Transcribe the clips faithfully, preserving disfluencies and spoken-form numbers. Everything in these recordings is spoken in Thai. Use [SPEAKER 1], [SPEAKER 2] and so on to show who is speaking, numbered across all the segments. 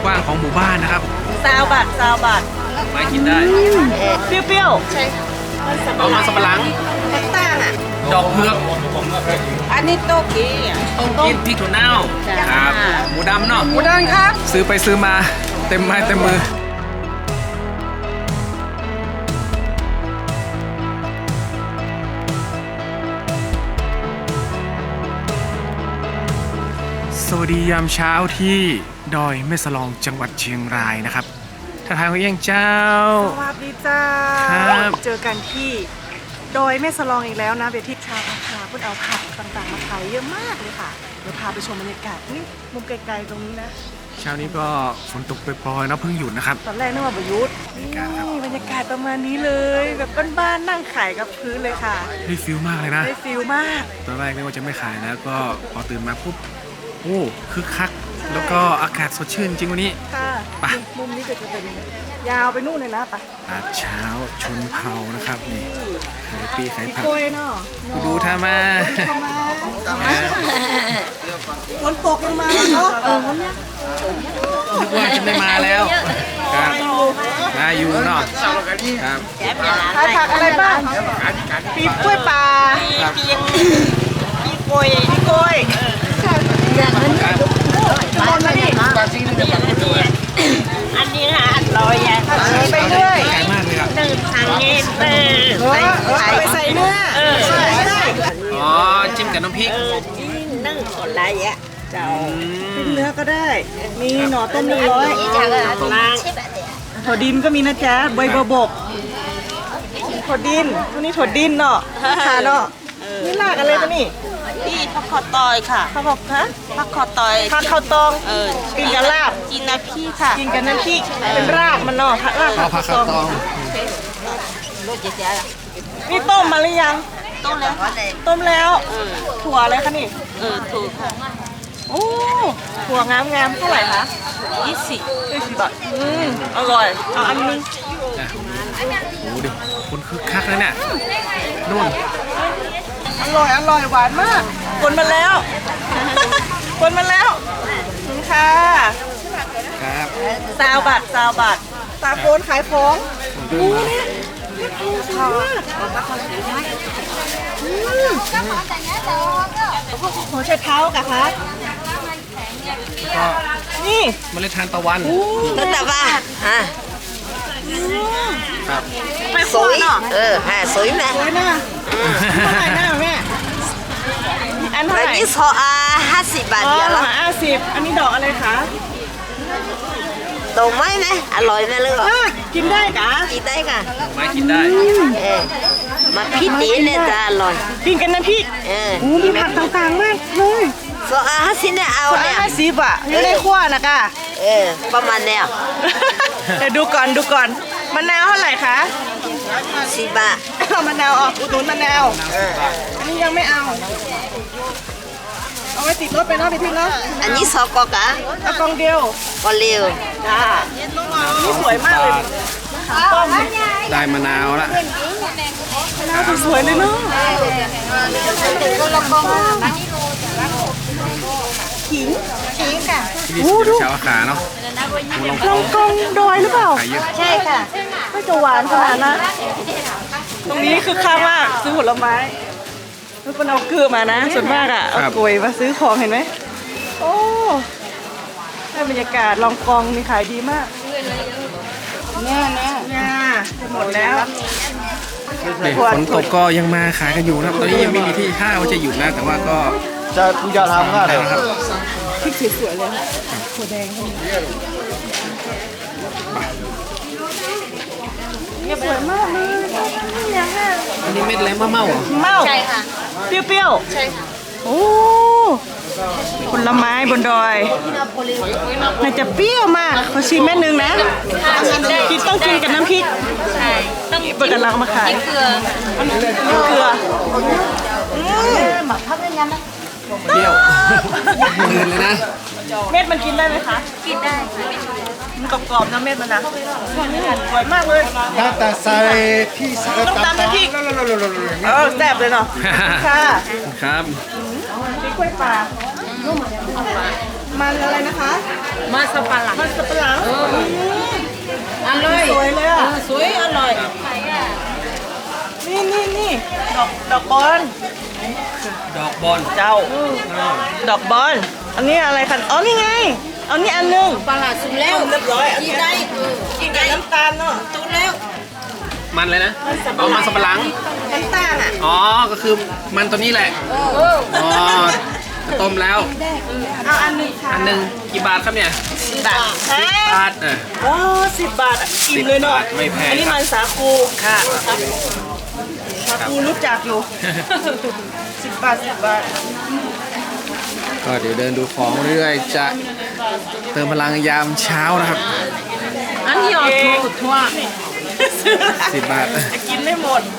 [SPEAKER 1] กว้างของหมู่บ้านนะครับ
[SPEAKER 2] ซาวบัตซาวบัต
[SPEAKER 1] ไม้กินได้
[SPEAKER 2] เปรี้ยวๆใช่
[SPEAKER 1] เอามาสับปะหลัง
[SPEAKER 2] ต่างอ่ะ
[SPEAKER 1] ดอกเผือก
[SPEAKER 2] อันนี้โต๊ะกี้
[SPEAKER 1] ต้มกินพริกถั่วเน่าครับหมูดำเนาะ
[SPEAKER 2] หมูดำครับ
[SPEAKER 1] ซื้อไปซื้อมาเต็มไม้เต็มมือสวัสดียามเช้าที่ดอยแม่สลองจังหวัดเชียงรายนะครับท่าทางของเองเจ้า
[SPEAKER 2] สวัสดีจ้า
[SPEAKER 1] ครับ
[SPEAKER 2] เจอกันที่ดอยแม่สลองอีกแล้วนะเบทิชาวอาคาเพื่อเอาผักต่างๆมาขายเยอะมากเลยค่ะเดี๋ยวพาไปชมบรรยากาศนี่มุมไกลๆตรงนี้นะ
[SPEAKER 1] เช้านี้ก็ฝนตกปล่อยๆเนาะเพิ่งหยุดนะครับ
[SPEAKER 2] ตอนแรกนึกว่าประยุทธ์นี่บรรยากาศประมาณนี้เลยแบบบ้านๆนั่งขายกับพื้นเลยค่ะ
[SPEAKER 1] ได้ฟิลมากเลยนะ
[SPEAKER 2] ได้ฟิลมาก
[SPEAKER 1] ตอนแรกนึกว่าจะไม่ขายแล้วก็พอตื่นมาปุ๊บโอ้คึกคักแล้วก็อากาศสดชื่นจริงวันนี้
[SPEAKER 2] ค่ะ
[SPEAKER 1] ไป
[SPEAKER 2] มุมนี้ก็จะเป็นยาวไปนู่นเลยนะปะ
[SPEAKER 1] ตลาดเช้าชนเผ่านะครับนี่ขายปีขายผักดูท่ามา
[SPEAKER 2] ฝนตกลงมาเนาะ
[SPEAKER 1] นึกว่าจะไม่มาแล้วครับมาอยู่เนาะครับ
[SPEAKER 2] ขายผักอะไรบ้างปีกล้วยปลาปีกล้วยปีกล้วย
[SPEAKER 3] อันนี้ค่ะอร่อยอ่ะ
[SPEAKER 2] ไปเรื่อย
[SPEAKER 1] ขายมากเลยครับ
[SPEAKER 3] นึ่งทางเงี้ยเออ
[SPEAKER 2] ไปใส่เนื้อ
[SPEAKER 1] อ๋อจิ้มกับน้ำพริก
[SPEAKER 3] นึ่งอะไรอ่ะเจ้า
[SPEAKER 2] เป็นเนื้อก็ได้มีหน่อต้มหนึ่งร้อยถั่วดินก็มีนะจ๊ะใบบัวบกถั่วดินตัวนี้ถั่วดินเนาะค่ะเนาะนี่ลากอะไรตัวนี้
[SPEAKER 3] นี่ผักขอตอยค่ะ
[SPEAKER 2] ผักขอฮะ
[SPEAKER 3] ผักขอตอย
[SPEAKER 2] ผักข้าวตอง
[SPEAKER 3] เออ
[SPEAKER 2] กินกับลาบ
[SPEAKER 3] กินน้ำพริกค่ะ
[SPEAKER 2] กินกับน้ำพริกเป็นรากมันเนาะราก
[SPEAKER 1] ผักข้าวตอง
[SPEAKER 2] นี่ต้มมาหรือยัง
[SPEAKER 3] ต้มแล้ว
[SPEAKER 2] ต้มแล้วถั่วอะไรคะนี่
[SPEAKER 3] เออถูกค่ะ
[SPEAKER 2] โอ้ถั่วงามงามเท่าไหร่คะ
[SPEAKER 3] ยี่สิบ
[SPEAKER 2] ยี่สิบบาทอืมอร่อยเอาอันนึง
[SPEAKER 1] โอ้ดิคนคึกคักเลยเนี่ยนู่น
[SPEAKER 2] อร่อยอร่อยหวานมากคนมาแล้วคนมาแล้วค่ะ
[SPEAKER 1] ครับ
[SPEAKER 2] ซาวบัตซาวบัตตาโคนขายของดูเนี่ยหัวไชเท้ากะคะ
[SPEAKER 1] ก็
[SPEAKER 2] นี่
[SPEAKER 1] เมล็ดทานตะวัน
[SPEAKER 3] ต้นตะวันฮะ
[SPEAKER 1] ครับ
[SPEAKER 2] ไปสวยเนาะ
[SPEAKER 3] เออฮะสวยนะ
[SPEAKER 2] สวยนะเท่าไหร่นะแม่อันเท่าไหร่
[SPEAKER 3] นี่ซออาห้าสิบบาทเดียวละ
[SPEAKER 2] ห้าสิบอันนี้ดอกอะไรคะ
[SPEAKER 3] ดอกไม้ไหมอร่อยไหมลูก
[SPEAKER 2] กินได้กะ
[SPEAKER 3] กินได้ค่ะ
[SPEAKER 1] ไม้กินได้
[SPEAKER 3] เออมาพริกตีเนี่ยจะอร่อย
[SPEAKER 2] กินกันนะพี่
[SPEAKER 3] เออ
[SPEAKER 2] มีผักต่างๆมากเลย
[SPEAKER 3] ซออาห้าสิบเนี่ยเอาเนี่ย
[SPEAKER 2] ห้าสิบอ่ะอยู่ในขั้วนะกะ
[SPEAKER 3] เออประมาณเนี่ย
[SPEAKER 2] เดี๋ยวดูก่อนดูก่อนมะนาวเท่าไหร่คะ
[SPEAKER 3] สิบบาท
[SPEAKER 2] เอามะนาวออกอุดหนุนมะนาวอันนี้ยังไม่เอาเอาไว้ติดรถไปเนาะไปทิ้งเนาะ
[SPEAKER 3] อันนี้ซอกอกะ
[SPEAKER 2] เอากองเดียว
[SPEAKER 3] ก็เร็ว
[SPEAKER 2] จ้านี่สวยมากเลยต้ม
[SPEAKER 1] ได้มะนาวละ
[SPEAKER 2] มะนาวสวยเลยเนาะขิงขิงค่ะ
[SPEAKER 1] ที่นี่ชาวขาเนาะ
[SPEAKER 2] ลองกองดอยหรือเปล่า
[SPEAKER 3] ใช่ค่ะ
[SPEAKER 2] ไม่จะหวานขนาดนั้นตรงนี้คือข้างมากซื้อผลไม้ทุกคนเอาเกลือมานะส่วนมากอ่ะเอากล้วยมาซื้อของเห็นไหมโอ้ได้บรรยากาศลองกองมีขายดีมากเนี่ยเนี่ยเนี่ยจะหมดแล้ว
[SPEAKER 1] ฝนตกก็ยังมาขายกันอยู่นะครับตอนนี้ยังไม่มีที่ท่าว่าจะหยุดนะแต่ว่าก็
[SPEAKER 4] จะกูจะทำอะไร
[SPEAKER 1] ครับ
[SPEAKER 2] พริกสวยๆเลยถั่วแดงเนี่ยสวยมากเลยยังไง
[SPEAKER 1] อันนี้เม็ดอะไรมะเม่าเหรอ
[SPEAKER 2] เม่า
[SPEAKER 3] ใช่ค่ะ
[SPEAKER 2] เปรี้ยว
[SPEAKER 3] ๆใช่ค่ะ
[SPEAKER 2] โอ้ผลไม้บนดอยน่าจะเปรี้ยวมากขอชิมเม็ดนึงนะกินต้องกินกับน้ำพริก
[SPEAKER 3] ใช่
[SPEAKER 2] ต้องเปิดกันเรามาขาย
[SPEAKER 3] เกลือ
[SPEAKER 2] เกลือ
[SPEAKER 3] หมักพักเรื่องยังไหม
[SPEAKER 1] เปรี้ยวมือเลยนะ
[SPEAKER 2] เม็ดมันกินได้ไหมคะ
[SPEAKER 3] กินได้
[SPEAKER 2] มันกรอบๆนะเม็ดมันนะสวยมากเลย
[SPEAKER 4] ถ้าแต่ใส่พี่ใส่
[SPEAKER 2] ต้องตามน้ำพริกเออแซ่บเลยเนาะค่ะ
[SPEAKER 1] ครับ
[SPEAKER 2] พริกกล้วยปลามันอะไรนะคะ
[SPEAKER 3] มาสปาหลัง
[SPEAKER 2] มันสับปะหลัง
[SPEAKER 3] อร่อย
[SPEAKER 2] สวยเลยอ่ะ
[SPEAKER 3] สวยอร่อย
[SPEAKER 2] นี่นี่นี่ดอกดอกบอล
[SPEAKER 1] ดอกบอล
[SPEAKER 2] เจ้า ดอกบอล อันนี้อะไรคะอ๋อ นี่ไง เอานี่อันหนึง
[SPEAKER 3] ปลาหลาดสุดแล้ว
[SPEAKER 2] เรียบร้อยอัน
[SPEAKER 3] กิน
[SPEAKER 2] นี้
[SPEAKER 3] ได้
[SPEAKER 2] กินกับน้ำตาลเนาะ
[SPEAKER 3] ตุนแล้ว
[SPEAKER 1] มันเลยนะเอามันสับปะหลัง
[SPEAKER 2] น้ำตาลอ่ะ
[SPEAKER 1] อ๋อ ก็คือมันตัวนี้แหละ อ๋อ ต้มแล้ว
[SPEAKER 2] เอาอันหนึงค่ะ
[SPEAKER 1] อันหนึ่งกี่บาทครับเนี่ย
[SPEAKER 2] บาทฮะ
[SPEAKER 1] บาทอ่ะ
[SPEAKER 2] โอ้สิบบาทอ่ะอิ่มเลยเนาะ
[SPEAKER 1] สิบบาทไม่แพง
[SPEAKER 2] อันนี้มันสาคู
[SPEAKER 1] ค่ะ
[SPEAKER 2] สาคูรู้จักอยู่ สิบบาทสิบบาท
[SPEAKER 1] ก็เดี๋ยวเดินดูของเรื่อยๆจะเติมพลังยามเช้านะครับ
[SPEAKER 3] อันนี้เอาทั่วทั่ว
[SPEAKER 1] สิบบาท
[SPEAKER 2] จะกินไม่หมด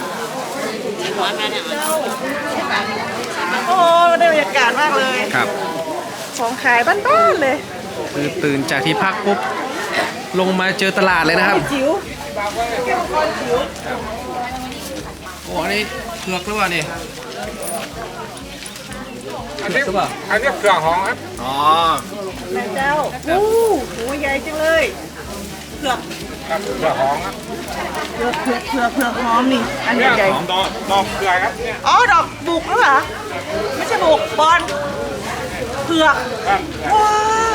[SPEAKER 2] โอ้ได้บรรยากาศมากเลย
[SPEAKER 1] ครับ
[SPEAKER 2] ของขายบ้านๆเลย
[SPEAKER 1] คือตื่นจากที่พักปุ๊บ ลงมาเจอตลาดเลยนะครับ
[SPEAKER 2] จิ๋วแก้วก้อนจิ๋ว
[SPEAKER 1] โอ้อันนี้เผือกหรือเปล่านี่เผือกหรือเปล่า
[SPEAKER 5] อันนี้เผือกหอมครับ
[SPEAKER 1] อ๋อ
[SPEAKER 2] แม่เจ้าโอ้โหใหญ่จังเลย เผือก
[SPEAKER 5] ครับเผือกหอมครับ
[SPEAKER 2] เผือกเผือกเผือกเผือกหอมนี่ อัน
[SPEAKER 5] เนี่ย
[SPEAKER 2] ใหญ่
[SPEAKER 5] หอมดอกดอกเผือกครับเนี่ย
[SPEAKER 2] ๆอ๋อ ดอกบุกแล้วเหรอ ไม่ใช่บุกบอลเผือก
[SPEAKER 5] ครับ
[SPEAKER 2] ว้า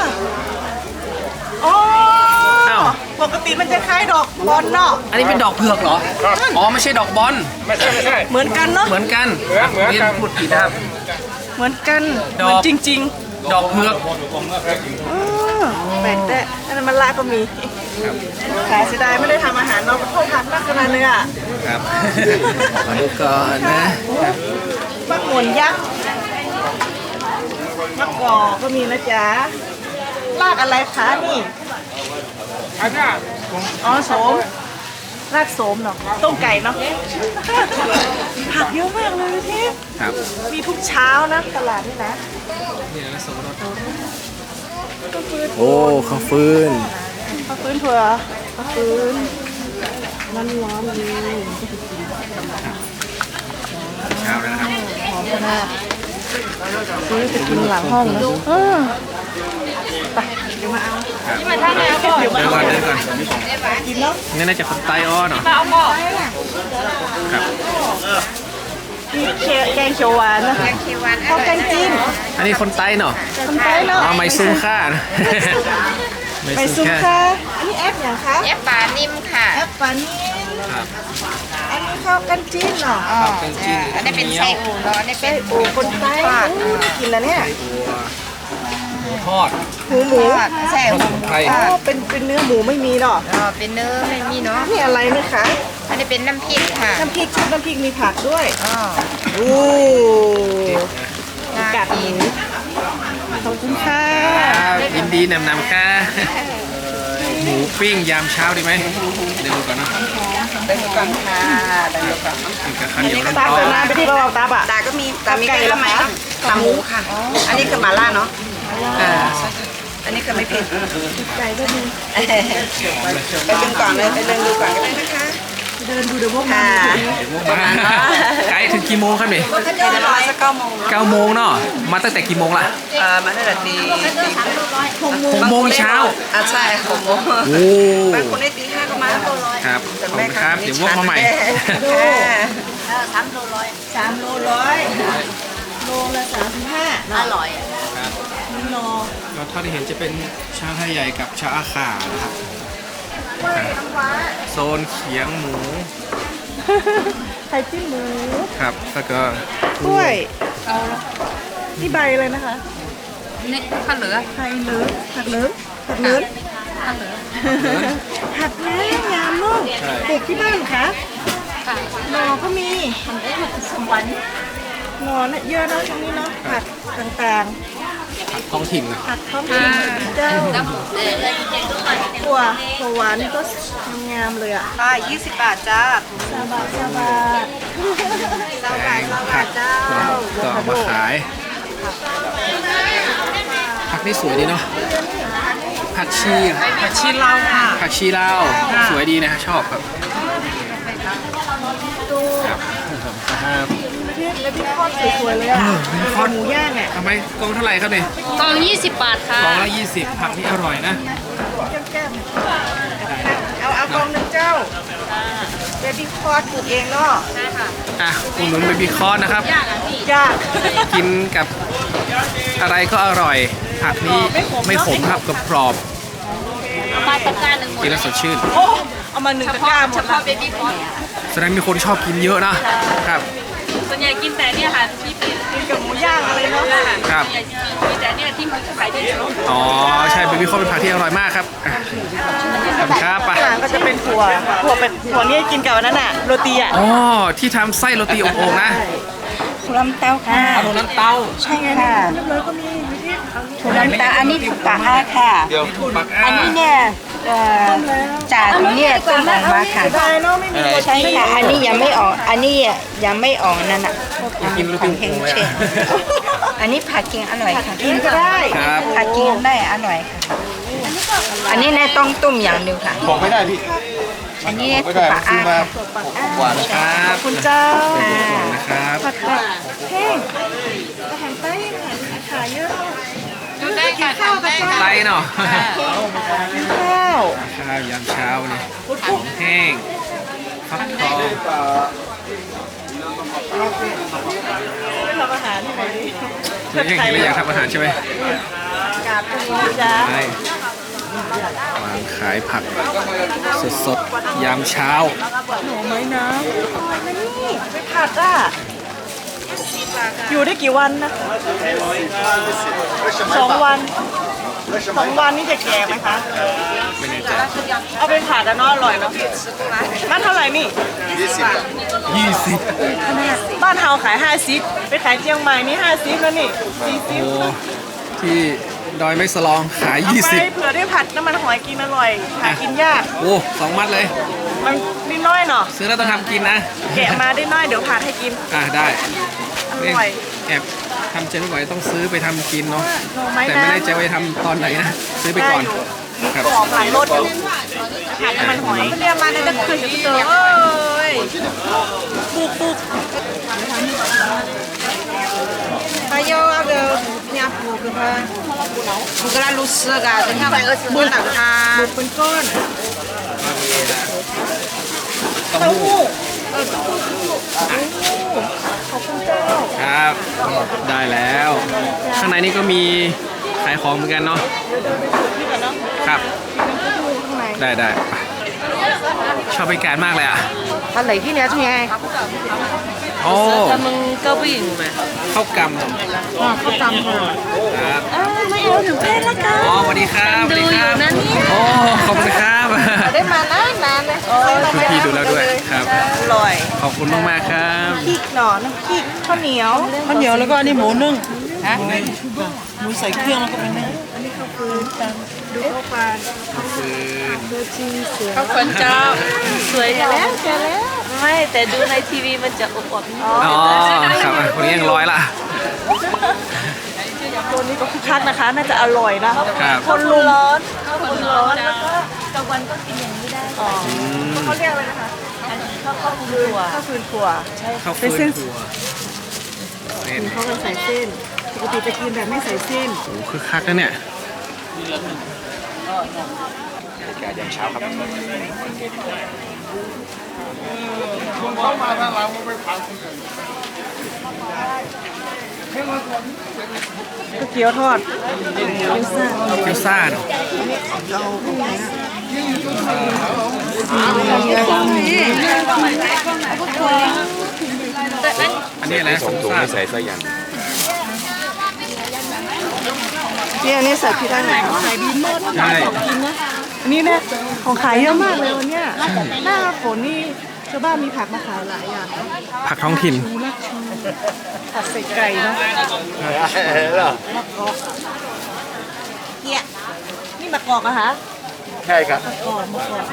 [SPEAKER 2] อ๋อ
[SPEAKER 1] อ้าว
[SPEAKER 2] ปกติมันจะคล้ายดอกบอลเนาะ
[SPEAKER 1] อันนี้เป็นดอกเผือกเหรอ อ๋อ ไม่ใช่ดอกบอล
[SPEAKER 5] ไม่ใช่ไม่ใช่
[SPEAKER 2] เหมือนกันเนาะ
[SPEAKER 1] เหมือนกัน
[SPEAKER 5] เหมือนเหมือนกัน
[SPEAKER 1] พูดผิดนะครับ
[SPEAKER 2] เหมือนกัน
[SPEAKER 1] ด
[SPEAKER 2] เห
[SPEAKER 1] อก
[SPEAKER 2] มือนจริง
[SPEAKER 1] ดอกเผือก
[SPEAKER 2] ๆอ๋อแปลกแต่อันนั้นมันลาก็มีขายเสียดายไม่ได้ทำอาหารเนาะเพราะผักมากขนาดเลยอ่ะ
[SPEAKER 1] ครับขอดูก่อนนะ
[SPEAKER 2] มะกวนยักษ์มะกอกก็มีนะจ๊ะรากอะไรคะนี่
[SPEAKER 5] อันเนี้ย
[SPEAKER 2] อ๋อโสมรากโสมเนาะต้มไก่เนาะผักเยอะมากเลยพี่
[SPEAKER 1] ครับ
[SPEAKER 2] มีทุกเช้านะตลาดนี่นะ
[SPEAKER 1] นี่นะสมรส
[SPEAKER 2] ข้าวฟืน
[SPEAKER 1] โอ้ข้าวฟืน
[SPEAKER 2] ข้าวฟืนถั่วข้าวฟืนร้อนร้อนๆเลย
[SPEAKER 1] เช้าแล้วนะครับ
[SPEAKER 2] หอมขนาดซื้อไปกินหลังห้องนะเออไปเดี๋ยวมาเอา
[SPEAKER 1] ที่มาท่าไหนก่อนเดินก่อนเดินก่อน
[SPEAKER 2] กินเนาะ
[SPEAKER 1] นี่น่าจะคนไตอ้อเนาะครับ
[SPEAKER 2] มีเคี่ยวแกงเขียวหวานนะคะข้าวแกงจีน
[SPEAKER 1] อันนี้คนไตเนาะ
[SPEAKER 2] คนไทยเนาะ
[SPEAKER 1] อ๋อไม่ซุ้มค่านะ
[SPEAKER 2] ไปซุปค่ะอันนี้แอปอย่างคะ
[SPEAKER 3] แอปปลานิ่มค่ะ
[SPEAKER 2] แอปปานิ่ม
[SPEAKER 1] ครับ
[SPEAKER 2] อันนี้ข้าวกันจีนเนาะ
[SPEAKER 1] ข้าวแกงจีน
[SPEAKER 3] อันนี้เป็นไส้อูเนาะอันนี้เป็น
[SPEAKER 2] โอ้คนไทยอู้ได้กินแล้วเนี่ย
[SPEAKER 1] หมูทอด
[SPEAKER 2] หูหมู
[SPEAKER 3] ทอดไส้
[SPEAKER 1] ผ
[SPEAKER 3] อู
[SPEAKER 1] สมไทย
[SPEAKER 2] อ๋อเป็นเป็นเนื้อหมูไม่มีเนาะ
[SPEAKER 3] อ๋อเป็นเนื้อไม่มีเนาะ
[SPEAKER 2] นี่อะไรไหมคะ
[SPEAKER 3] อันนี้เป็นน้ำพริกค่ะ
[SPEAKER 2] น้ำพริกชุบน้ำพริกมีผักด้วย
[SPEAKER 3] อ๋อ
[SPEAKER 2] โอ้
[SPEAKER 3] น่า
[SPEAKER 2] กัดห
[SPEAKER 3] กิน
[SPEAKER 2] มูขอบคุณค่ะ
[SPEAKER 1] ครับยินดีนำนำค่ะหมูปิ้งยามเช้าดีไหมเดี๋ยวดูก่อนนะ
[SPEAKER 3] ได้ก่อนค่ะได้ก่อน
[SPEAKER 1] กินกับข้าวเหนียวร้
[SPEAKER 2] ตาม
[SPEAKER 1] อ
[SPEAKER 2] แต่
[SPEAKER 1] น
[SPEAKER 2] นานไปที่เราตาบะ
[SPEAKER 3] ตาก็มีตามี
[SPEAKER 2] ไก่
[SPEAKER 3] ไก่
[SPEAKER 2] เหร
[SPEAKER 3] ละ
[SPEAKER 2] อ
[SPEAKER 3] ไหม
[SPEAKER 2] คะ
[SPEAKER 3] ตาหมูค่ะ อันนี้คือหม่าล่าเนาะอ่าอันนี้คือไม่เผ็ด
[SPEAKER 2] ไก่ก็มี
[SPEAKER 3] ไปดึงก่อนเลยไปเดินดูก่อนก็ได้นะคะ
[SPEAKER 2] เดินดูเดี๋ยวพวกมั
[SPEAKER 3] ค่ะ
[SPEAKER 2] น
[SPEAKER 1] ๆมาไกด์ถึงกี่โมงครับนี่
[SPEAKER 3] เดี๋ยวประมาณสักเก้าโมง
[SPEAKER 1] เก้าโมงเนาะมาตั้งแต่กี่โมงล่ะ
[SPEAKER 3] เอ่อมาตั้งแต่ตีตี
[SPEAKER 1] หกโมงเช้า
[SPEAKER 3] อ่ะใช่หกโมง
[SPEAKER 1] โอ้
[SPEAKER 3] บางคนได้ตีห้าก็มา
[SPEAKER 1] ครับขอบคุณครับเดี๋ยววกมาใหม่
[SPEAKER 3] สามโลร้อย
[SPEAKER 2] สามโลร้อยโลละสามสิบห้า
[SPEAKER 3] อร่อย
[SPEAKER 1] ครับ
[SPEAKER 2] นี่โล
[SPEAKER 1] ก็เท่าที่เห็นจะเป็นชาไทยใหญ่กับชาอาขานะครับโซนเขียงหมู
[SPEAKER 2] ไข่จิ้มหมู
[SPEAKER 1] ครับแล้วก็
[SPEAKER 2] กล้วยนี่ใบเลยนะคะ
[SPEAKER 3] นี่ข้าวเหลือ
[SPEAKER 2] ไข่เหลืองผัดเหลืองผัดเหลือง
[SPEAKER 3] ข้าวเหลือ
[SPEAKER 2] ผัดน้ำยำนุ่มปลูกที่บ้านเหรอคะ
[SPEAKER 3] ค่ะ
[SPEAKER 2] หน่อก็มี
[SPEAKER 3] มันได้หมดสมวัน
[SPEAKER 2] หน่อน่ะเยอะเนอะช่วงนี้เนาะผัดต่าง
[SPEAKER 1] ท้องถิ่นนะ
[SPEAKER 2] ๆผัดท้องถิ่นเจ้า
[SPEAKER 3] น้ำหมูเออ
[SPEAKER 2] ถั่วถั่วหวานนี่ก็งามเลยอ่ะ
[SPEAKER 3] ค่ะยี่สิบบาทจ้า
[SPEAKER 2] ซาบะซาบะ
[SPEAKER 1] แตงผักก็เอามาขายผักนี่สวยดีเนาะผักชี
[SPEAKER 3] ผักชีลาวค่ะ
[SPEAKER 1] ผักชีลาวสวยดีนะชอบครับครับครับ
[SPEAKER 2] เที่แล้วพี่ทอดสวยๆเลยอ่ะคอหมูย่างอ่ะ
[SPEAKER 1] ทำไมกองเท่าไหร่ครับเนี่ย
[SPEAKER 6] กล่องยี่สิบบาทค่ะ
[SPEAKER 1] กองละยี่สิบผักนี่อร่อยนะ
[SPEAKER 2] แก้มๆเอาเอากองหนึ่งเจ้าเบบี้คอร์ดปลูกเองเนาะ
[SPEAKER 6] ใช่ค่ะ
[SPEAKER 1] อ่ะอุดหนุนเบบี้คอร์นนะครับ
[SPEAKER 6] ยากอ่ะพี่
[SPEAKER 2] ยาก
[SPEAKER 1] กินกับอะไรก็อร่อย ผักนี้ไม่ขมครับกรอบ
[SPEAKER 6] เอามาตะกร้าหนึ่งหม
[SPEAKER 1] ๆ
[SPEAKER 6] ด
[SPEAKER 1] กินแล้วสดชื่น
[SPEAKER 2] โอ้เอามาหนึ่ง
[SPEAKER 6] เฉ
[SPEAKER 2] ตะก
[SPEAKER 6] พาะ
[SPEAKER 2] ร้าหม
[SPEAKER 6] เฉ
[SPEAKER 2] ด
[SPEAKER 6] พาะเบบี้คอร์น
[SPEAKER 1] แสดงมีคนชอบกินเยอะนะครับ
[SPEAKER 6] ส่วนใหญ่กินแต่เนี่ยค่ะพี่เป็น
[SPEAKER 2] กินกับหมูย่างอะไรเนาะ
[SPEAKER 1] ครับ
[SPEAKER 6] ส่วนใหญ่กินแต่เนี่ยที่เขาขายดีสุด
[SPEAKER 1] อ๋อใช่เบบี้คอร์นเป็นผักที่อร่อยมากครับอ่ะขอบคุณครับไป
[SPEAKER 2] ข้างหลังก็จะเป็นถั่วถั่วเป็นถั่วนี่กินกับอันนั้นอ่ะโรตีอ่ะ
[SPEAKER 1] อ๋อที่ทำไส้โรตีอบโอ่งนะ
[SPEAKER 3] ถั่วลันเต้าค่ะ
[SPEAKER 1] เอาน้ำเต้า
[SPEAKER 3] ใช่ค่ะ
[SPEAKER 2] เรียบร้อยก็มีวิธี
[SPEAKER 3] ถั่วลันเต้าอันนี้ถูกปากห้าค่ะ
[SPEAKER 1] เดี๋ยวปัก
[SPEAKER 3] อันนี้เนี่ยเอ่อจากเนี่ยต้มออกมาค่ะ
[SPEAKER 2] ได้เนาะไม่มีโร
[SPEAKER 3] ใช่
[SPEAKER 2] ตี
[SPEAKER 3] ค่ะ อันนี้ยังไม่ออก อันนี้ยังไม่ออกนั่นอ่ะ
[SPEAKER 1] กินโรตีอบโอ่งเลยอ่ะ
[SPEAKER 3] อันนี้ผักกินอร่อยค่ะ
[SPEAKER 2] กินก็ได้
[SPEAKER 1] ครับ
[SPEAKER 3] ผักกินได้อร่อยค่ะ อันนี้เนี่ยต้องต้มอย่างเดียวค่ะ
[SPEAKER 4] บอกไม่ได้พี่
[SPEAKER 3] อันนี้
[SPEAKER 4] ไม่
[SPEAKER 3] ถู
[SPEAKER 4] ได้
[SPEAKER 3] กปาก
[SPEAKER 4] ซื้
[SPEAKER 3] อ้า
[SPEAKER 4] อมา
[SPEAKER 3] ค่ะ
[SPEAKER 4] หกวัน
[SPEAKER 1] ครับ
[SPEAKER 2] คุณเจ้า
[SPEAKER 1] นะครับ
[SPEAKER 2] ผัดแบบแห้งอาหารใต้อาหารขายเยอะ
[SPEAKER 6] ดูได้ค่ะทำได้ค่ะ
[SPEAKER 1] ไตเนาะ
[SPEAKER 2] ข้าว
[SPEAKER 1] ข้าวยามเช้านี่แห้งฟักทอง
[SPEAKER 2] ไม่ทำอาหารที่ไหนดี
[SPEAKER 1] ยังเห็นแล้วอยากทำอาหารใช่ไหม
[SPEAKER 2] กาบตรงนี้จ้า
[SPEAKER 1] ใช่วางขายผักสดๆยามเช้า
[SPEAKER 2] หนูไม้น้ำนี่ไปผัดอ่ะอยู่ได้กี่วันนะสองวันสองวันนี่จะแก่ไหมคะ
[SPEAKER 1] ไม่แน่ใจ
[SPEAKER 2] เอาไปผัดอะเนาะอร่อยเนาะนั่นเท่าไหร่นี่
[SPEAKER 1] ยี่สิบ
[SPEAKER 2] บ้านเฮาขายห้าสิบไปขายเชียงใหม่นี่ห้าสิบแล้วนี่สี่สิบ
[SPEAKER 1] โอ้ที่ดอยไม่สลองขาย
[SPEAKER 2] เอา
[SPEAKER 1] ยี่
[SPEAKER 2] ไป
[SPEAKER 1] สิบ
[SPEAKER 2] เผื่อได้ผัดน้ำมันหอยกินอร่อยหากินยาก
[SPEAKER 1] โอ้สองมัดเลย
[SPEAKER 2] มันนิดน้อยเนาะ
[SPEAKER 1] ซื้อแล้วต้องทำกินนะ
[SPEAKER 2] แกะมาได้น้อยเดี๋ยวผัดให้กิน
[SPEAKER 1] อ่ะได้
[SPEAKER 2] อร่อย
[SPEAKER 1] แอบทำเจนไม่ไหวต้องซื้อไปทำกินเนาะ
[SPEAKER 2] หน่อไม้
[SPEAKER 1] แต่
[SPEAKER 2] น้ำ
[SPEAKER 1] ไม่แน่ใจว่าจะทำตอนไหนนะ ซื้อไปก่อน ครับ
[SPEAKER 2] กรอบหลายรสอยู่ผัดน้ำมันหอยเรียกมาในตะคืนเจอเอ้ยปุกปุก
[SPEAKER 3] Ayo ada nyapu ke apa? Bukan lusa kan? Tengah buat tak
[SPEAKER 2] บุ
[SPEAKER 3] ha.
[SPEAKER 2] กเป็นก้อน
[SPEAKER 1] เต้า
[SPEAKER 2] เต้า
[SPEAKER 1] หู้
[SPEAKER 2] หู้ขอบคุณเจ้า
[SPEAKER 1] ครับ ได้แล้ว ข้างในนี้ก็มีขายของเหมือนกันเนาะ
[SPEAKER 2] นี่ก่อนเนาะ
[SPEAKER 1] ครับ
[SPEAKER 2] กินน้ำเต้าหู้ข้างใน
[SPEAKER 1] ได้ได้ไปชอบบรรยากาศมากเลยอ่ะ
[SPEAKER 3] Hắn lấy cái này thôi nghe.
[SPEAKER 1] โอ้
[SPEAKER 6] มึงก็วิ่งไหม
[SPEAKER 1] ข้าวกำ
[SPEAKER 3] Ờ, có tầm rồi.
[SPEAKER 1] ครับ
[SPEAKER 2] อ้าวไม่เอาถึงเพศละกัน
[SPEAKER 1] อ๋อสวัสดีครับสวัสดีครับโอ้ขอบคุณครับ
[SPEAKER 3] Để mà nán nán này.
[SPEAKER 1] คุณพี่ดูแล้วด้วยครับ
[SPEAKER 2] อร่อย
[SPEAKER 1] ขอบคุณมากมากๆครับ
[SPEAKER 2] พริกหน่อน้ำพริกข้าวเหนียว
[SPEAKER 7] ข้าวเหนียวแล้วก็อันนี้หมูนึ่งหมูใส่เครื่องแล้วก็เป็นนึ่ง
[SPEAKER 2] ดูข้าวปลา
[SPEAKER 1] ฟืน
[SPEAKER 6] เขาคนเจ้าสวยแล้วเจอแล้วไม่แต่ดูในทีวีมันจะอบอบนิดนึง
[SPEAKER 1] อ๋อครับอ่ะคนนี้ยังร้อยละ
[SPEAKER 2] ตัวนี้ก็คึกคักนะคะ น่าจะอร่อยนะครับ คนลุมร้อนคนร้อนแล้วก็
[SPEAKER 6] กลางวันก็กินอย่างนี้ได้
[SPEAKER 2] อ๋อเขาเรียกอะไรนะคะ
[SPEAKER 6] ข้าวข้าวฟืนถั่ว
[SPEAKER 2] ข้าวฟืนถั่วใช่
[SPEAKER 1] ข้าว
[SPEAKER 2] เป็
[SPEAKER 1] ฟื
[SPEAKER 2] น
[SPEAKER 1] น
[SPEAKER 2] เส้น
[SPEAKER 1] ถั่วเส้น
[SPEAKER 2] เขาก็ใส่เส้นปกติจะกินแบบไม่ใส่เส้น
[SPEAKER 1] โอ้คือคักนะเนี่ยบรรยากาศยามเช้าครับ
[SPEAKER 2] ก๋วยเตี๋ยวทอดเกี๊ยวซ่า
[SPEAKER 1] เกี๊ยวซ่าเนาะอันนี้อะไรนะสมซ่า
[SPEAKER 2] นี่อันนี้ใส่พี่ได้ไหนขายดีมาก
[SPEAKER 1] ใช่
[SPEAKER 2] กินนะอันนี้เนี่ยของขายเยอะมากเลยวันเนี้ยหน้าฝนนี่ชาวบ้านมีผักมาขายหลายอย่างนะ
[SPEAKER 1] ผักท้องถิ่น
[SPEAKER 2] ชูรักชูผัดใส่ไก่เนาะ
[SPEAKER 3] เกี้ย
[SPEAKER 2] นี่มะกอกอะคะ
[SPEAKER 4] ใช่ครับ
[SPEAKER 2] มะกอกมะกอก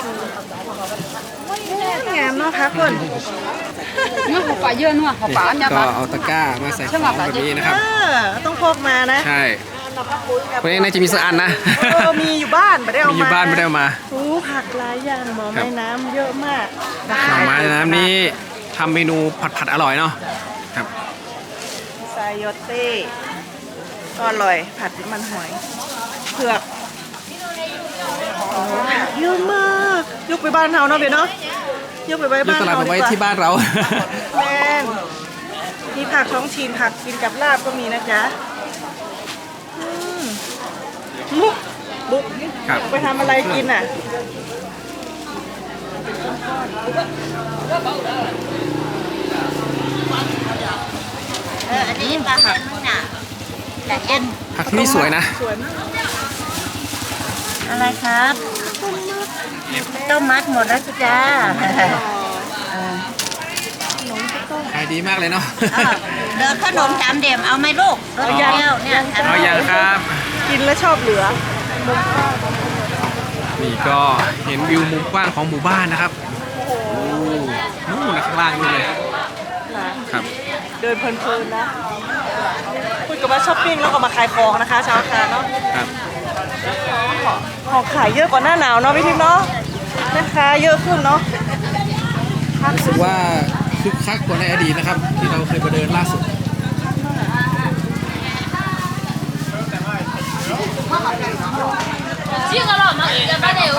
[SPEAKER 2] งามเนาะคะคน
[SPEAKER 6] นี่หัวปลาเยอะนัวหัวปลาเนี่ย
[SPEAKER 1] ก็เอาตะกร้ามาใส่ของแบบนี้นะครับ
[SPEAKER 2] เออต้องพกมานะ
[SPEAKER 1] ใช่คนนี้น่าจะมีสักอันนะ
[SPEAKER 2] เออมีอยู่บ้านไม่ได้เอา
[SPEAKER 1] มี
[SPEAKER 2] มา
[SPEAKER 1] อยู่บ้านไม่ได้เอามา
[SPEAKER 2] โอ้ผักหลายอย่างหมอ
[SPEAKER 1] ครับ
[SPEAKER 2] ไม้น้ำเยอะมาก
[SPEAKER 1] หน่อไม้น้ำนี้ทำเมนูผัดผัดๆอร่อยเนาะ
[SPEAKER 2] โยเต้ก็อร่อยผัดน้ำมันหอยเผือกโอ้โหผักเยอะมากยกไปบ้านเราเนาะเบนเนาะยกไปไว้
[SPEAKER 1] ยก
[SPEAKER 2] บ้าน
[SPEAKER 1] ตลาด
[SPEAKER 2] เรา
[SPEAKER 1] มาไว้
[SPEAKER 2] ดีกว่า
[SPEAKER 1] ที่บ้านเรา
[SPEAKER 2] แม่นมีผักท้องถิ่นผักกินกับลาบก็มีนะจ๊ะอืมมุกบุ๊ก
[SPEAKER 1] ครับ
[SPEAKER 2] ไปทำอะไรกินอ่ะ
[SPEAKER 3] เอออันนี้ปลาหางน่ะแต่เอ็น
[SPEAKER 1] ผักที่นี่สวยนะ
[SPEAKER 2] สวยมาก
[SPEAKER 3] อะไรครับต้มมัดหมดแล้วจ้า
[SPEAKER 1] ขายดีมากเลยเนาะ
[SPEAKER 3] เดินขนมสามเดี่ยมเอาไหมลูกรสเปรี้ยวเนี่ย
[SPEAKER 1] เอาอย่างครับ
[SPEAKER 2] กินแล้วชอบเหลือ
[SPEAKER 1] นี่ก็เห็นวิวมุมกว้างของหมู่บ้านนะครับโอ้นู่นนะข้างล่างนู่นเลยครับ
[SPEAKER 2] เดินเพลินๆนะคุยกับว่าช้อปปิ้งแล้วก็มาขายของนะคะชาวคาเนาะ
[SPEAKER 1] ครับ
[SPEAKER 2] ของขายเยอะกว่าหน้าหนาวเนาะพี่ทิพย์เนาะนะคะเยอะขึ้นเนาะ
[SPEAKER 1] รู้สึกว่าคึกคักกว่าในอดีตนะครับ ที่เราเคยไปเดินล่าสุด
[SPEAKER 6] 这个了吗？要不然得有。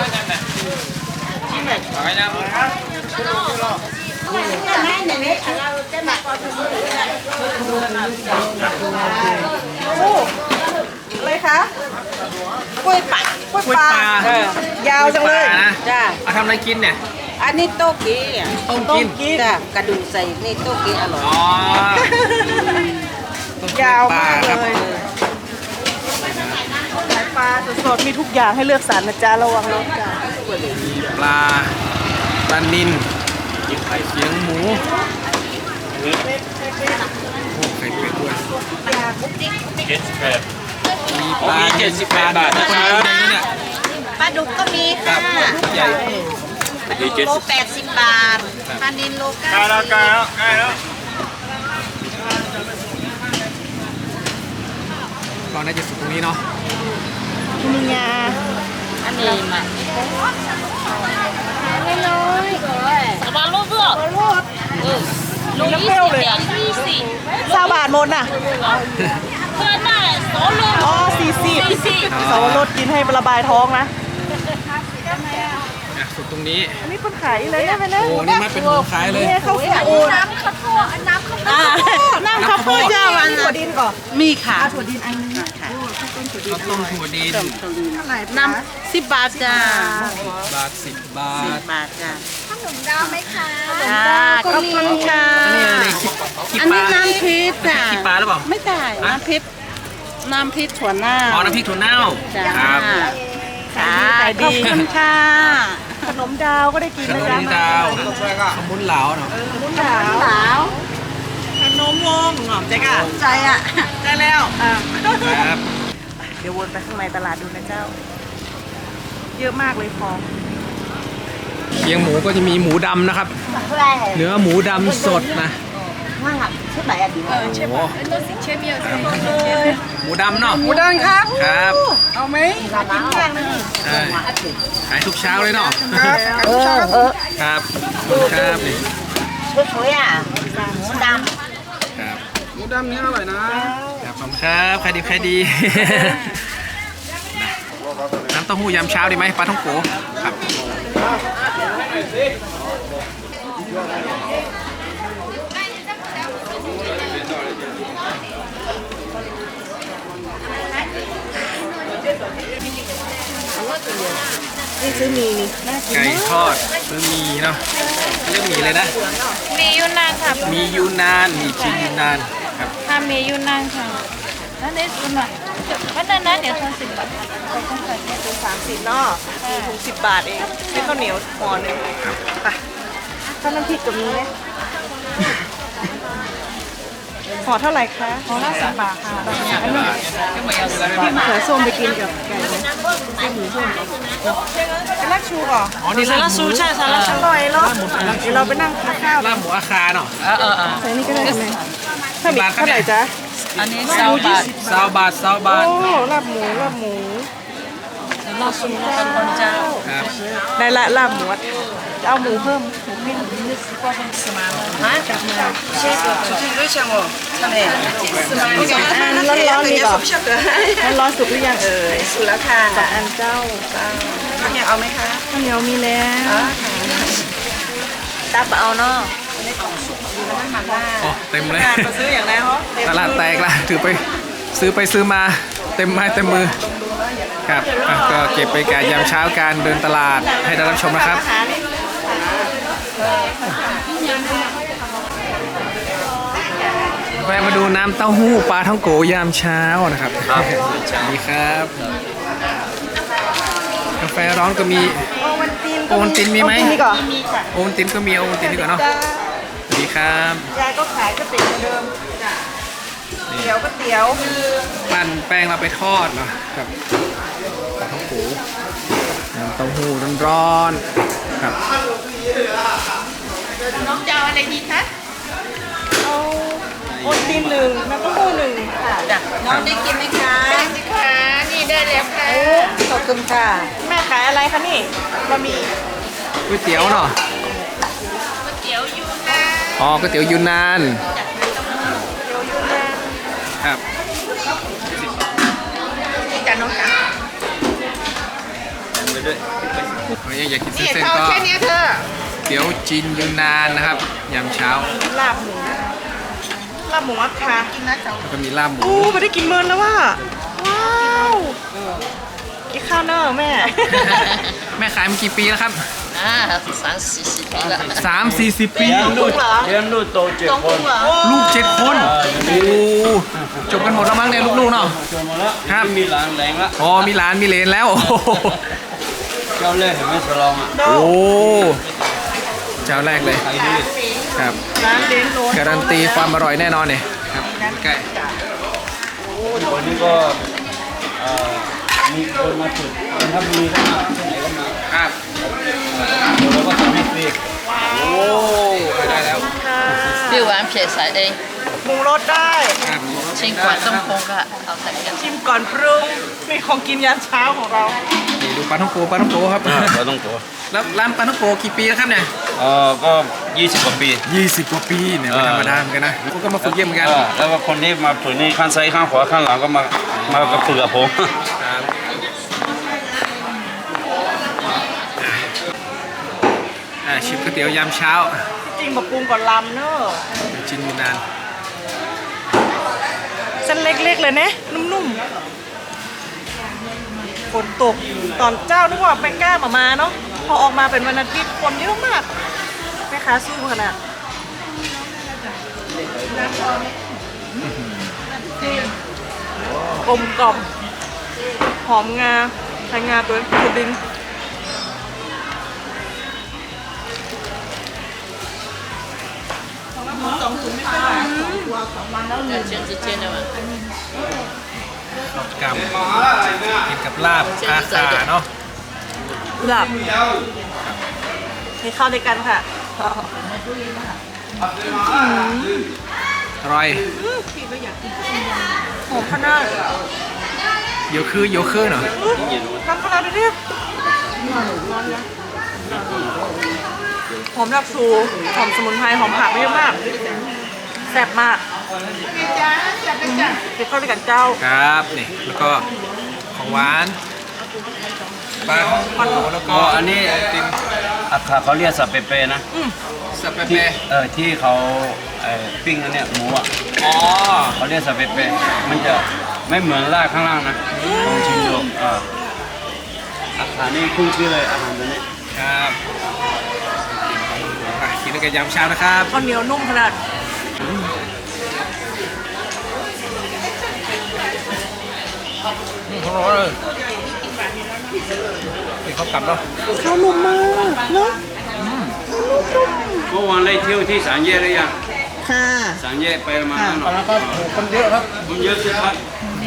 [SPEAKER 2] โอ้อะไรคะ
[SPEAKER 3] กล้วยปัด
[SPEAKER 2] กล้วยปลา
[SPEAKER 1] เออย
[SPEAKER 2] าวจังเลย
[SPEAKER 1] ปลานะ
[SPEAKER 3] จ้า
[SPEAKER 1] เอาทำอะไรกินเนี่ย
[SPEAKER 3] อันนี้โต๊ะกี้อ่ะ
[SPEAKER 1] ต้ม
[SPEAKER 2] ต้
[SPEAKER 1] กิ
[SPEAKER 2] ม
[SPEAKER 1] น
[SPEAKER 2] กิน
[SPEAKER 3] จ้ากระดูกใส่นี่โต๊ะกี้อร่อย
[SPEAKER 1] อ๋อต้ม
[SPEAKER 2] ยาว
[SPEAKER 1] ปลาม
[SPEAKER 2] าก
[SPEAKER 1] ครับ
[SPEAKER 2] เลยขายปลาสดๆมีทุกอย่างให้เลือกสรรนะจ๊ะระวังรถจ้ะ
[SPEAKER 1] มีปลาปลานิลไข่เสียงหมูโอ้ไข่เป็ดด้วยมีปลาเจ็ดสิบแปดบาทนะครับเนี่ย
[SPEAKER 3] ปลาดุกก็มี
[SPEAKER 1] ครั
[SPEAKER 3] ค่ะ
[SPEAKER 1] บใหญ่
[SPEAKER 3] โลแปดสิบบาทปลานิลโลเก้า
[SPEAKER 5] ใกล้แล้วใกล้แล้วใกล้แล้ว
[SPEAKER 1] ก็น่าจะสุดตรงนี้เนาะ
[SPEAKER 2] มีงา
[SPEAKER 6] อันนี้มาไม่น้อยสบายลูกเพื่อ
[SPEAKER 2] โลด
[SPEAKER 6] เออลูกยี่สิบเอ็ดยี่สิบ
[SPEAKER 2] ซาบาทหมดน่ะ
[SPEAKER 6] เพื่อนน่ะสองลูก
[SPEAKER 2] อ๋อสี่สิบ
[SPEAKER 6] สี่สิบ
[SPEAKER 2] สาวรสกินให้ระบายท้องนะ
[SPEAKER 1] อ่ะสุดตรงนี้
[SPEAKER 2] อันนี้คนขายเลยนะเป็นนะ
[SPEAKER 1] โอ้นี่มันเป็นหมูขายเลย
[SPEAKER 2] เนี่ยเขาขายโอ้น้ำข้าวโพดน้ำข้าวโพดน้ำข้าวโพดเจ้าวันถั่วดินก่อน
[SPEAKER 3] มีค่ะ
[SPEAKER 2] ถั่วดินอันนี้
[SPEAKER 3] ค่ะ
[SPEAKER 1] ข้าวต้มถั่วดิน
[SPEAKER 2] เท่าไหร่
[SPEAKER 3] น้ำสิบบาทจ้า
[SPEAKER 1] บาทสิบบา
[SPEAKER 3] สิ
[SPEAKER 1] ท
[SPEAKER 3] บบาทจ้า
[SPEAKER 2] ขนมดาวไหมคะ
[SPEAKER 3] จ้าขอบคุณค่ะ
[SPEAKER 1] นี่อะไรขี้ขี้
[SPEAKER 3] อัน
[SPEAKER 1] ป
[SPEAKER 3] นี้
[SPEAKER 1] ลา
[SPEAKER 3] น้ำพริกจ้า
[SPEAKER 1] ขี้ปลาหรือเปล่า
[SPEAKER 3] ไม่ได้น้ำพริกน้ำพริกถั่วหน้า
[SPEAKER 1] อ๋อน้ำพริกถั่วเน่า
[SPEAKER 3] จ้า
[SPEAKER 1] ครับ
[SPEAKER 3] จ้า
[SPEAKER 2] ขาย
[SPEAKER 3] ข
[SPEAKER 2] ดี
[SPEAKER 3] อบคุณค่ะ
[SPEAKER 2] ขนมดาวก็ได้กิน
[SPEAKER 1] ข
[SPEAKER 2] นะ
[SPEAKER 1] น
[SPEAKER 2] จ๊ะ
[SPEAKER 1] มดาวขมุนเหลาเนาะ
[SPEAKER 2] ขนมดาว
[SPEAKER 3] สาว
[SPEAKER 2] ขนมวงหอมใจก่ะ
[SPEAKER 3] ใจอ่ะ
[SPEAKER 2] ได้แล้วอ่ะ
[SPEAKER 1] ครับ
[SPEAKER 2] เดี๋ยววนไปข้างในตลาดดูนะเจ้า เยอะมากเลยของ
[SPEAKER 1] เคียงหมูก็จะมีหมูดำนะครับ เนื้อหมูดำสดนะ
[SPEAKER 3] ว่าชุดไหนอ่ะดี
[SPEAKER 1] โอ้โหหมูดำเนาะ
[SPEAKER 2] หมูดังครับ
[SPEAKER 1] ครับ
[SPEAKER 2] เอาไหมกินแกงนะนี่
[SPEAKER 1] ใช่ขายทุกเช้าเลยเนาะ
[SPEAKER 2] ครับ
[SPEAKER 3] เออเออ
[SPEAKER 1] ครับขอบคุณครับนี่
[SPEAKER 3] สวยๆอ่ะหมูด
[SPEAKER 1] ครับ
[SPEAKER 5] หมูดำนี้อร่อยนะ
[SPEAKER 1] ครับขอบคุณครับใครดีใครดี น้ำเต้าหู้ยำเช้าดีไหมปลาท่องโกครับ
[SPEAKER 2] นี่ซื้อมีนี่น่ากิน
[SPEAKER 1] ไก่
[SPEAKER 2] มาก
[SPEAKER 1] ทอดซื้อหมีเนาะเรียกหมีเลยนะ
[SPEAKER 6] มียูนานค่ะ
[SPEAKER 1] มียูนานมีจีนยูนานครับ
[SPEAKER 6] ถ้ามียูนานค่ะนั่นเองคุณหน่อยวันนั้นนะเดี๋ยวทอนสิบบาทเขาต้องใส่เนี่ย
[SPEAKER 2] ถุงสามสิบเนาะมีถุงสิบบาทเองซื้อข้าวเหนียวห่อหนึ่งไปถ้าน้ำพริกกับนี้ไหมห่อเท่าไหร่คะห่อละสามบาทค่ะอันนี้พี่มะเขือส้มไปกินกับไก่ไหมไก่หมูส้มเป็นลาบชูก่อน
[SPEAKER 1] อ๋อนี่ลาบหมู
[SPEAKER 2] ใช่สาระอร่อยเนาะเดี๋ยวเราไปนั่งทานข้าว
[SPEAKER 1] ลาบหมูอาคาเนาะ
[SPEAKER 2] ใส่นี่ก็ได้ไหมถ้ามีเท่าไหร่จ๊ะ
[SPEAKER 7] อันนี้สามบาท
[SPEAKER 1] ซาวบาทซาวบาท
[SPEAKER 2] โอ้ลาบหมูลาบหมู
[SPEAKER 7] นลาบสุกเป็นคนเจ้า
[SPEAKER 1] ครับ
[SPEAKER 2] ได้ละลาบหมูอะจะเอาหมูเพิ่มหมูปิ้ง
[SPEAKER 7] ฮะ
[SPEAKER 3] 出去就像我，真的。
[SPEAKER 2] อันร้อนๆนี่ก่อนร้อนๆสุกหรือยังเอ่ย
[SPEAKER 3] สุแล้วค่ะ
[SPEAKER 2] สองอันเจ้า
[SPEAKER 3] ข้าวเหนียวเอาไหมคะ
[SPEAKER 2] ข้าวเหนียวมีแล้ว
[SPEAKER 6] ตับเอาเนาะ
[SPEAKER 1] โอ้เต็มเลย
[SPEAKER 2] งานมาซื้ออย่างไรเหรอ
[SPEAKER 1] ตลาดแตกละถือไปซื้อไปซื้อมาเต็มไม้เต็มมือครับอ่ะก็เก็บไปการยามเช้าการเดินตลาดให้ได้รับชมนะครับ
[SPEAKER 2] อาหารนี่
[SPEAKER 1] แวะมาดูน้ำเต้าหู้ปลาท่องโกยามเช้านะครับดีครับกาแฟร้อนก็มี
[SPEAKER 2] โอวันติน
[SPEAKER 1] โอวัลตินมีไหม
[SPEAKER 2] โอวัลตินนี่ก่อน
[SPEAKER 1] โอวัลตินก็มีโอวัลตินดีกว่าเนาะดีครับ
[SPEAKER 2] ยายก็ขายก๋วยเตี๋ยวเหมือนเดิมเตี๋ยวก๋วยเตี๋ยว
[SPEAKER 1] ปั่นแป้งเราไปทอดเนาะครับปลาท่องโกน้ำเต้าหู้ร้อนๆครับ
[SPEAKER 6] น้องจะเอาอะไรดีคะ
[SPEAKER 2] เอาโอวัลตินหนึ่งน้ำเต้าหู้หนึ่งค่ะ
[SPEAKER 3] น้องได้กินไหมคะ
[SPEAKER 6] ได้สิคะนี่ได้แล้วค่ะ
[SPEAKER 3] ขอบคุณค่ะ
[SPEAKER 2] แม่ขายอะไรคะนี่บะหมี่
[SPEAKER 1] ก๋วยเตี๋ยวเนาะ
[SPEAKER 6] ก๋วยเตี๋ยวยูนาน
[SPEAKER 1] อ๋อก๋วยเตี๋ยวยูนานครับ
[SPEAKER 6] นี่จ้ะน้องจ๋า
[SPEAKER 1] อยากกิน
[SPEAKER 6] นี่
[SPEAKER 1] เส้น
[SPEAKER 6] เท่า
[SPEAKER 1] ๆก็
[SPEAKER 6] แค่เนี้ยเธอ
[SPEAKER 1] เตี๋ยวจีนยูนานนะครับยามเช้า
[SPEAKER 2] ลาบหมูลาบหมูอัดค่ะ
[SPEAKER 6] กินนะเจ้า
[SPEAKER 1] แล้วก็มีลาบหมู
[SPEAKER 2] โอ้ไม่ได้กินเมินแล้วว่ะว้าวกินข้าวเนอะแม่
[SPEAKER 1] แม่ขายมากี่ปีแล้วครับ
[SPEAKER 6] อ่าสามสี่สิบปีละ
[SPEAKER 1] สามสี่สิบปี
[SPEAKER 2] ลูกเหรอ
[SPEAKER 4] เลี้ยงลูกโตเจ็ด
[SPEAKER 6] ต้อง
[SPEAKER 4] ค
[SPEAKER 6] กุ้
[SPEAKER 4] น
[SPEAKER 6] งเหรอ
[SPEAKER 1] ลูกเจ็ดคนโอ้จบกันหมดแล้วมั้งเนี่ยลูกๆเนาะ
[SPEAKER 4] จนหมดแล้ว
[SPEAKER 1] ครับ
[SPEAKER 4] มีหลานแรงละ
[SPEAKER 1] อ๋อมีหลานมีเหลนแล้วโอ้โห
[SPEAKER 4] เจ้าเล่ห์เห็นไหมสลองอ่ะ
[SPEAKER 1] โอ้เจ้าแรกเลย
[SPEAKER 4] ใครดี
[SPEAKER 1] ครับ
[SPEAKER 2] ร้านเล้นโรน
[SPEAKER 1] การันตีความอร่อยแน่นอนเนี่ยครับใกล้
[SPEAKER 4] วันนี้ก็เอ่อมีคนมาฝึกคนทัพมีเข้ามาที่ไหนก็มา
[SPEAKER 1] ครับ
[SPEAKER 4] เราก็ทำให้ฟรี
[SPEAKER 1] โอ้ได้แล้ว
[SPEAKER 2] ค่ะ
[SPEAKER 6] เปรี้ยวหวานเผ็ดใส่เอง
[SPEAKER 2] ปรุงรสได้
[SPEAKER 1] ครับ
[SPEAKER 6] ชิงกว่าต้องคงก็เอาใส่กัน
[SPEAKER 2] ชิมก่อนปรุงมีของกินยามเช้าของเรา
[SPEAKER 1] นี่ดูปลาท่องโกปลาท่องโกครับ
[SPEAKER 4] เราต้องตัว
[SPEAKER 1] แล้วร้านปลาท่องโกกี่ปีแล้วครับเนี่ย
[SPEAKER 4] เอ่อก็ยี่สิบกว่าปี
[SPEAKER 1] ยี่สิบกว่าปีเนี่ยไม่ธรรมดาเหมือนกันนะผมก็มาฝึกเยี่ยมเหมือนกัน
[SPEAKER 4] เออแล้วก็คนที่มาฝึกนี่ข้างซ้ายข้างขวาข้างหลังก็มามากับฝึกกับผม
[SPEAKER 1] ครับอ่าชิมก๋วยเตี๋ยวยามเช้า
[SPEAKER 2] จริงแบบปรุงก่อนลำเนอะ
[SPEAKER 1] จินยูนาน
[SPEAKER 2] เส้นเล็กๆเลยนะนุ่มๆฝนตกตอนเจ้านึกว่าไปกล้ามามาเนาะพอออกมาเป็นวันอาทิตย์คนเยอะมากแม่ค้าสู้ขนาดกลมกล่อมหอมงาไทยงาตัวตัวดิน
[SPEAKER 6] เจียนเจียนๆเลยว่ะ
[SPEAKER 1] กับกินกับลาบอาขาเนาะ
[SPEAKER 2] หลับให้เข้าด้วยกันค่ะ
[SPEAKER 1] อร่อย
[SPEAKER 2] หอมขนาด
[SPEAKER 1] โยคือโยคือเนาะ
[SPEAKER 2] ทำขนาดนี้หอมดับซูหอมสมุนไพรหอมผักเยอะมากแซ่บมากกินข้าวด้วยกันเจ้า
[SPEAKER 1] ครับนี่แล้วก็ของหวานปลาท่องโกแล้วก็
[SPEAKER 4] อ๋ออันนี้
[SPEAKER 1] ติม
[SPEAKER 4] อาคาเขาเรียกสับเปเปนะ
[SPEAKER 1] สับเป
[SPEAKER 4] ที่
[SPEAKER 1] เป
[SPEAKER 4] เออที่เขาเอ่อปิ้งอันเนี้ยหมูอ่ะ
[SPEAKER 1] อ๋อ
[SPEAKER 4] เขาเรียกสับเปเปมันจะไม่เหมือนลาดข้างล่างนะลองชิมดูเอออาหารนี่ขึ้นชื่อเลยอาหารตัวนี้
[SPEAKER 1] ครับอ่ะกินด้วยกันยามเช้านะครับ
[SPEAKER 2] ข้าวเหนียวนุ่มขนาด
[SPEAKER 1] ของเราเลยนี่เขากลับแล้ว
[SPEAKER 2] ข้าวนุ่มมากเนาะ
[SPEAKER 4] เมื่อวานได้เที่ยวที่สามแยกหรือยัง
[SPEAKER 2] ค่ะ
[SPEAKER 4] สามแยกไปมาแล้ว
[SPEAKER 1] แล้วก็คนเยอะครับ
[SPEAKER 4] มันเยอะสิครับ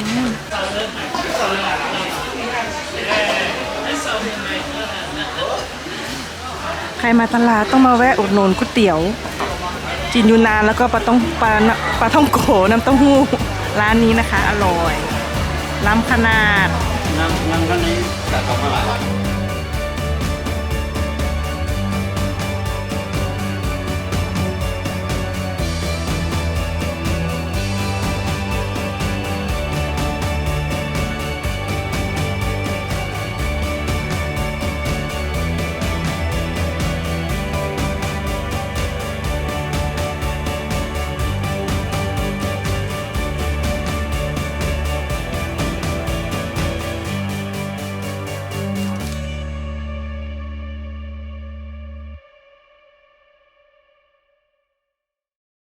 [SPEAKER 2] ใครมาตลาดต้องมาแวะอุดหนุนก๋วยเตี๋ยวจีนยูนานแล้วก็ปลาต้องปลาปลาท่องโกน้ำเต้าหู้ร้านนี้นะคะ อร่อยล้ำขนาด
[SPEAKER 4] นนั่งนั่งข้างนี้แต่สองมาหลาย